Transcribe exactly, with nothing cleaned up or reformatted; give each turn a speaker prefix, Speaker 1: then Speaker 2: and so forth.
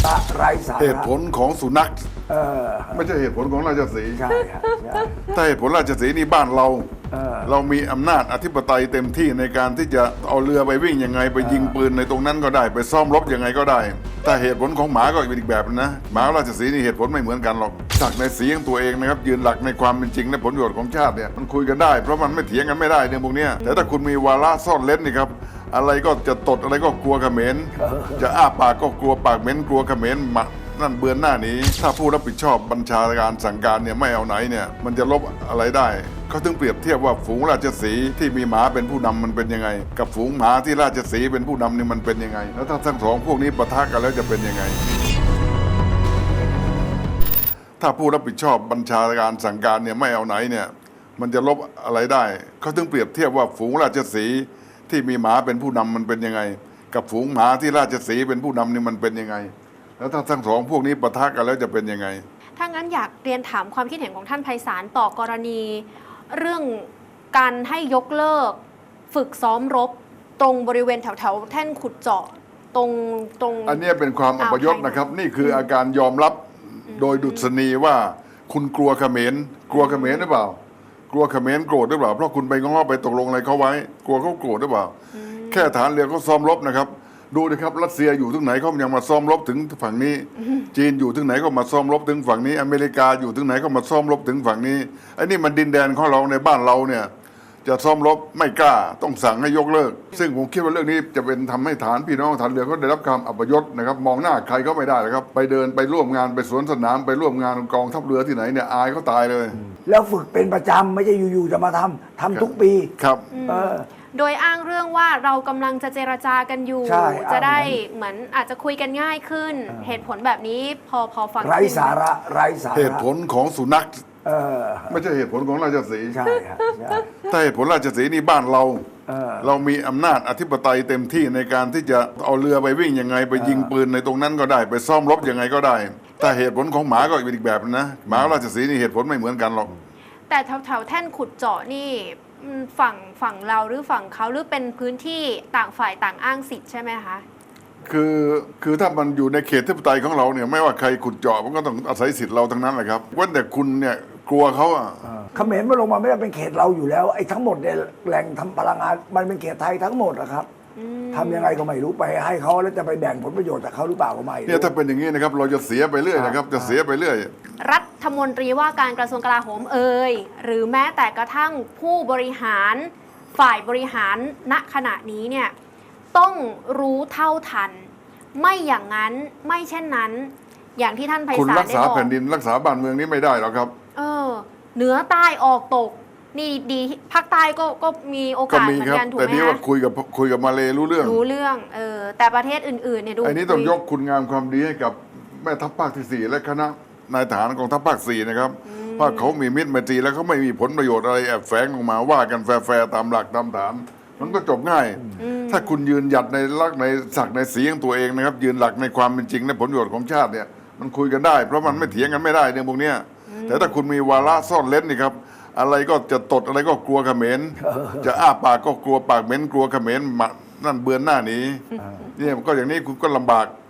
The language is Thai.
Speaker 1: ไร้สาระ
Speaker 2: เหตุผลของสุนัข
Speaker 1: เออ
Speaker 2: ไม่ใช่เหตุผลของราชสีห์
Speaker 1: ใช่ครับใช่
Speaker 2: ถ้าเหตุผลราชสีห์นี่บ้านเรา
Speaker 1: เออ
Speaker 2: เรามีอำนาจอธิปไตยเต็มที่ในการที่จะเอาเรือไปวิ่งยังไงไปยิงปืนในตรงนั้นก็ได้ ไปซ่อมรบยังไงก็ได้ถ้าเหตุผลของหมาก็อีกแบบนะหมาราชสีห์นี่เหตุผลไม่เหมือนกันหรอกศักดิ์ในสีของตัวเองนะครับยืนหลักในความเป็นจริงและผลประโยชน์ของชาติเนี่ยมันคุยกันได้เพราะมันไม่เถียงกันไม่ได้เรื่องพวกเนี้ยแต่ถ้าคุณมีวาระซ่อนเล้นนี่ครับอะไรก็จะตดอะไรก็กลัวเขมรจะอ้าปากก็กลัวปากเหม็นกลัวเขมรหมานั่นเบือนหน้าหนี้ถ้าผู้รับผิดชอบบัญชาการสั่งการเนี่ยไม่เอาไหนเนี่ยมันจะลบอะไรได้เขาถึงเปรียบเทียบว่าฝูงราชสีห์ที่มีหมาเป็นผู้นำมันเป็นยังไงกับฝูงหมาที่ราชสีห์เป็นผู้นำนี่มันเป็นยังไงแล้วถ้าทั้งสองพวกนี้ปะทะกันแล้วจะเป็นยังไงถ้าผู้รับผิดชอบบัญชาการสั่งการเนี่ยไม่เอาไหนเนี่ยมันจะลบอะไรได้เขาถึงเปรียบเทียบว่าฝูงราชสีห์ที่มีหมาเป็นผู้นำมันเป็นยังไงกับฝูงหมาที่ราชสีห์เป็นผู้นำนี่มันเป็นยังไงแล้วถ้าทั้งสองพวกนี้ปะทะกันแล้วจะเป็นยังไง
Speaker 3: ถ้างั้นอยากเรียนถามความคิดเห็นของท่านไพศาลต่อกรณีเรื่องการให้ยกเลิกฝึกซ้อมรบตรงบริเวณแถวแถวแท่นขุดเจาะตรงตรง
Speaker 2: อันนี้เป็นความอัปยศนะครับนี่คืออาการยอมรับโดยดุษณีว่าคุณกลัวเขมรกลัวเขมรหรือเปล่ากลัวเขมรโกรธหรือเปล่าเพราะคุณไปง้อไปตกลงอะไรเขาไว้กลัวเขาโกรธหรือเปล่าแค่ฐานเรือเขาซ้อมรบนะครับดูนะครับรัสเซียอยู่ถึงไหนเขายังมาซ้อมรบถึงฝั่งนี้จีนอยู่ถึงไหนก็มาซ้อมรบถึงฝั่งนี้อเมริกาอยู่ถึงไหนก็มาซ้อมรบถึงฝั่งนี้ไอ้นี่มันดินแดนของเราในบ้านเราเนี่ยจะซ้อมรบไม่กล้าต้องสั่งให้ยกเลิกซึ่งผมคิดว่าเรื่องนี้จะเป็นทำให้ฐานพี่น้องฐานเรือเขาได้รับความอัปยศนะครับมองหน้าใครก็ไม่ได้นะครับไปเดินไปร่วมงานไปสวนสนามไปร่วมงานกองทัพเรือที่ไหนเนี่ยอายเขาตายเลย
Speaker 1: แล้วฝึกเป็นประจำไม่ใช่อยู่ๆจะมาทำทำทุกปี
Speaker 2: ครับ
Speaker 1: เออ
Speaker 3: โดยอ้างเรื่องว่าเรากำลังจะเจรจากันอยู่จะได้เหมือนอาจจะคุยกันง่ายขึ้นเหตุผลแบบนี้พอพอฟัง
Speaker 1: ไร้สาระไร้สาระ
Speaker 2: เหตุผลของสุนัข
Speaker 1: เออ
Speaker 2: ไม่ใช่เหตุผลของราชสีห์
Speaker 1: ใช่ครับใช่
Speaker 2: ถ้าเหตุผลราชสีห์นี่บ้านเรา
Speaker 1: เออ
Speaker 2: เรามีอำนาจอธิปไตยเต็มที่ในการที่จะเอาเรือไปวิ่งยังไงไปยิงปืนในตรงนั้นก็ได้ไปซ่อมรบยังไงก็ได้ถ้าเหตุผลของหมาก็อีกแบบนะหมาราชสีห์นี่เหตุผลไม่เหมือนกันหรอก
Speaker 3: แต่แถวแถวแท่นขุดเจาะนี่ฝั่งฝั่งเราหรือฝั่งเขาหรือเป็นพื้นที่ต่างฝ่ายต่างอ้างสิทธิ์ใช่ไหมคะ
Speaker 2: คือคือถ้ามันอยู่ในเขตอธิปไตยของเราเนี่ยไม่ว่าใครขุดเจาะมันก็ต้องอาศัยสิทธิ์เราทั้งนั้นแหละครับว่าแต่คุณเนี่ยกลัวเขาอ่ะ
Speaker 1: เขมรมันลงมาไม่ได้เป็นเขตเราอยู่แล้วไอ้ทั้งหมดเนี่ยแหล่งทำพลังงานมันเป็นเขตไทยทั้งหมดนะครับทำยังไงก็ไม่รู้ไปให้เขาแล้วจะไปแบ่งผลประโยชน์จากเขาหรือเปล่าก็ไม่
Speaker 2: เนี่ยถ้าเป็นอย่างนี้นะครับเราจะเสียไปเรื่อยนะครับจะเสียไปเรื่อย
Speaker 3: รัฐมนตรีว่าการกระทรวงกลาโหมเอ่ยหรือแม้แต่กระทั่งผู้บริหารฝ่ายบริหารณขณะนี้เนี่ยต้องรู้เท่าทันไม่อย่างนั้นไม่เช่นนั้นอย่างที่ท่านไพศาลได้บอกคุณ
Speaker 2: รักษาแผ่นดินรักษาบ้านเมืองนี้ไม่ได้หรอกครับ
Speaker 3: เออเหนือใต้ออกตกนี่ดีภาคใต้ก็ก็มีโอกาสเหมือนกันถูกไหม
Speaker 2: แต่นี้ว่าคุยกับคุยกับมาเลรู้เรื่อง
Speaker 3: รู้เรื่องเออแต่ประเทศอื่นๆเนี่ยดู
Speaker 2: อันนี้ต้องยกคุณงามความดีให้กับแม่ทัพภาคที่สี่และคณะนายทหารกองทัพภาคสี่นะครับว่าเขามีมิตรไมตรีแล้วเขาไม่มีผลประโยชน์อะไรแอบแฝงออกมาว่ากันแฟร์ๆตามหลักตามฐานมันก็จบง่ายถ้าคุณยืนหยัดในลักในศักดิ์ในสีของตัวเองนะครับยืนหลักในความเป็นจริงและผลประโยชน์ของชาติเนี่ยมันคุยกันได้เพราะมันไม่เถียงกันไม่ได้เรื่องพวกนี้แต่ถ้าคุณมีวาระซ่อนเล้นนี่ครับอะไรก็จะตดอะไรก็กลัวเขมรจะอ้าปากก็กลัวปากเหม็นกลัวเขมรนั่นเบือนหน้าหนีเนี่ยก็อย่างนี้คุณก็ลำบาก